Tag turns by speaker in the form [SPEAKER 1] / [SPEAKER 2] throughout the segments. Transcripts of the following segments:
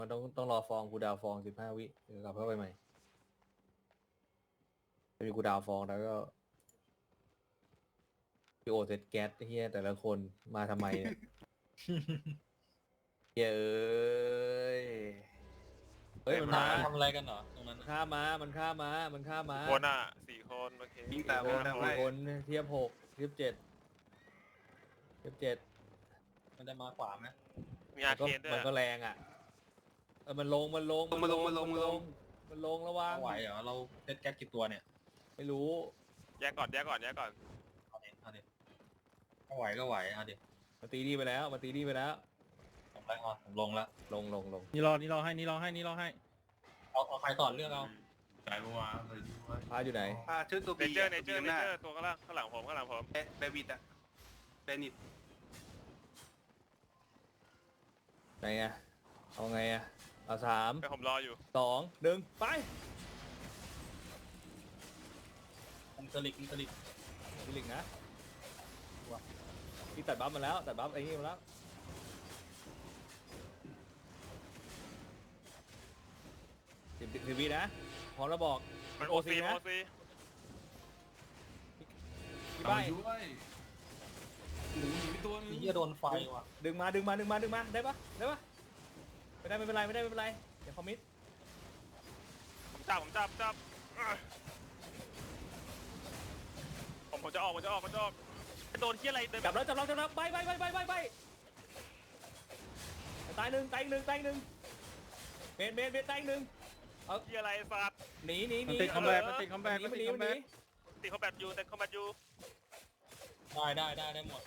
[SPEAKER 1] มันต้องรอฟองกูดาวฟอง15 วิเดี๋ยวกลับเข้าไปใหม่จะมีกูดาวฟองแล้วก็พี่โอเซตแก๊สเฮียแต่ละคนมาทำไมเนี่ยเฮ้ยเฮ้ยมันมา
[SPEAKER 2] ทำอะไรกันเหรอตรงนั้น
[SPEAKER 1] ข้ามมามันข้ามมามันข้ามมา
[SPEAKER 3] คนอ่ะ4 คนโอเค
[SPEAKER 4] ยิงแต่วงแต่ไว้
[SPEAKER 1] คนเทียบ6เทียบ7
[SPEAKER 2] มันจะมาขวาไหม
[SPEAKER 3] มีอาร์เคนด้วย
[SPEAKER 1] มันก็แรงอ่ะมันลงมันลงระวัง
[SPEAKER 2] ไหวเหรอเราเซตแก๊สกี่ตัวเนี่ย
[SPEAKER 1] ไม่รู้
[SPEAKER 3] แยกก่อน
[SPEAKER 2] เอาดิก็ไหวเอาดิ
[SPEAKER 1] มาตีนี่ไปแล้วมาตีนี่ไปแล้ว
[SPEAKER 2] ผมไปผมลงละ
[SPEAKER 1] ลง
[SPEAKER 5] นี่รอให้
[SPEAKER 2] เอาใครต่อเลือกเอา
[SPEAKER 4] สายบัวเลย
[SPEAKER 1] พาอยู่ไหน
[SPEAKER 4] ชื่อตัว
[SPEAKER 3] เน
[SPEAKER 4] บี
[SPEAKER 3] เจอร์
[SPEAKER 4] หน้า
[SPEAKER 3] ตัวข้างหลังผม
[SPEAKER 4] เบวิดอะเบนิด
[SPEAKER 1] ไหนอ่ะเอาไงอ่ะเอา3
[SPEAKER 3] ไปผมรออยู่
[SPEAKER 1] 2 1ไป
[SPEAKER 2] อินเตอร์ลิก
[SPEAKER 1] พี่ลิงนะพี่ตัดบัฟมาแล้วตัดบัฟไอ้นี่มาแล้ว10 วินะพร้อมแล้วบอก
[SPEAKER 3] มัน
[SPEAKER 1] โอ
[SPEAKER 3] โอ
[SPEAKER 1] ซี
[SPEAKER 3] ซี
[SPEAKER 1] นะ
[SPEAKER 3] โอซี
[SPEAKER 1] พี่ใบ
[SPEAKER 4] ด้วยหมูหนีไปตัวนึง
[SPEAKER 2] นี่จะโดนไฟว่ะ
[SPEAKER 1] ดึงมาได้ปะไม่เป็นไรเดี๋ยวคอมมิต
[SPEAKER 3] ผมจับผมจะออกโดนที่อะไรเดิน
[SPEAKER 1] จับแล้วไปตายหนึ่งเมนตาย1ตาย1
[SPEAKER 3] ที่อะไรสัตว์
[SPEAKER 1] หนี
[SPEAKER 5] มันติดคอมแบทติดคอมแบท
[SPEAKER 3] ติดคอมแบทอยู่
[SPEAKER 2] ได้หมด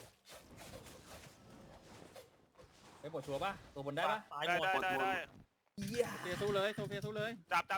[SPEAKER 1] ไปปวดชัวร์ป่ะตัวบนได้ป่ะ
[SPEAKER 2] ตาย
[SPEAKER 3] ได้
[SPEAKER 2] หมด
[SPEAKER 3] ได้
[SPEAKER 5] เฟียสู้เลยโซเฟียสู้เลย
[SPEAKER 3] จับข้าง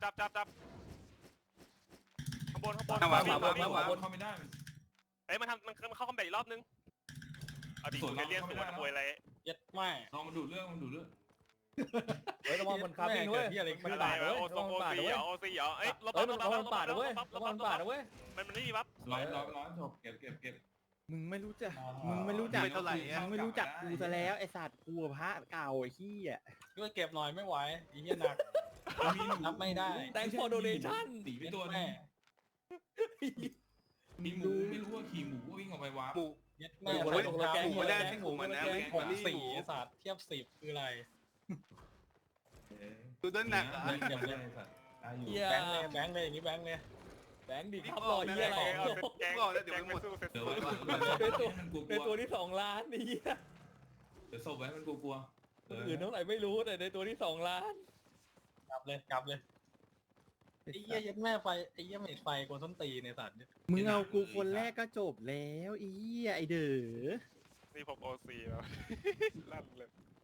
[SPEAKER 3] บน
[SPEAKER 4] ข้างบนเข้าไม่ได้
[SPEAKER 3] เอ้ยมันเข้าคอมแบทอีกรอบนึงเอาดิเรียนสวนมวยอะไร
[SPEAKER 2] เย็ดแม่
[SPEAKER 4] ลองมันดูดเรื่อง
[SPEAKER 1] เฮ้ยระวังมันคาบินด้วยมัน
[SPEAKER 3] อะไร
[SPEAKER 1] บาดด้วย
[SPEAKER 3] โอ
[SPEAKER 1] ระวังมันบาดด้วย
[SPEAKER 3] ซีเหรอเอ้ย
[SPEAKER 1] ระวังบาดด้วยระวังบาดด้วย
[SPEAKER 3] มันไม่มีบัฟ
[SPEAKER 4] ร้อยจบเก็บ
[SPEAKER 5] มึงไม่รู้จักมึงไม่รู้จักกูซะแล้วไอสัตว์กูพระเก่าไอ้ขี้อ่ะ
[SPEAKER 2] ด้วยเก็บหน่อยไม่ไหวไอ้เหี้ยหนักนับไม่ได้
[SPEAKER 1] แต่งพอโดเนชั่น
[SPEAKER 4] ตีไปตัวนึงมีหมูไม่รู้ว่าขี่หมูวิ่งออกไปวาร์ป
[SPEAKER 2] เย็ดแม่
[SPEAKER 1] หมูมันได้ที่หมูมันนะ
[SPEAKER 2] 6-4ศาสตร์เทียบ10คืออะไร
[SPEAKER 4] ดูด้านหนักอ่ะ
[SPEAKER 1] อย่า
[SPEAKER 2] แบงค์เลยอย่างนี้แบงค์เลย
[SPEAKER 1] แบงค์ดิครับรอยเยี่ยอะไร
[SPEAKER 3] แกงไม่สู้เสร็จ
[SPEAKER 4] เดี๋ยวไว้ก่อนมันกลัว
[SPEAKER 1] ในตัวที่2 ล้านนี่
[SPEAKER 4] เดี๋ยวศพไว้มันกลัว
[SPEAKER 1] อื่นเท่าไหร่ไม่รู้แต่ในตัวที่2 ล้าน
[SPEAKER 2] กลับเลยไอ้เหี้ยเย็ดแม่ไฟไอ้เหี้ยไม่ไฟกวนส้นตีในสัตว์เนี่ย
[SPEAKER 5] มึงเอากูคนแรกก็จบแล้วไอ้เด้อ
[SPEAKER 3] นี่ผมโอซีแล้วลั่นเลย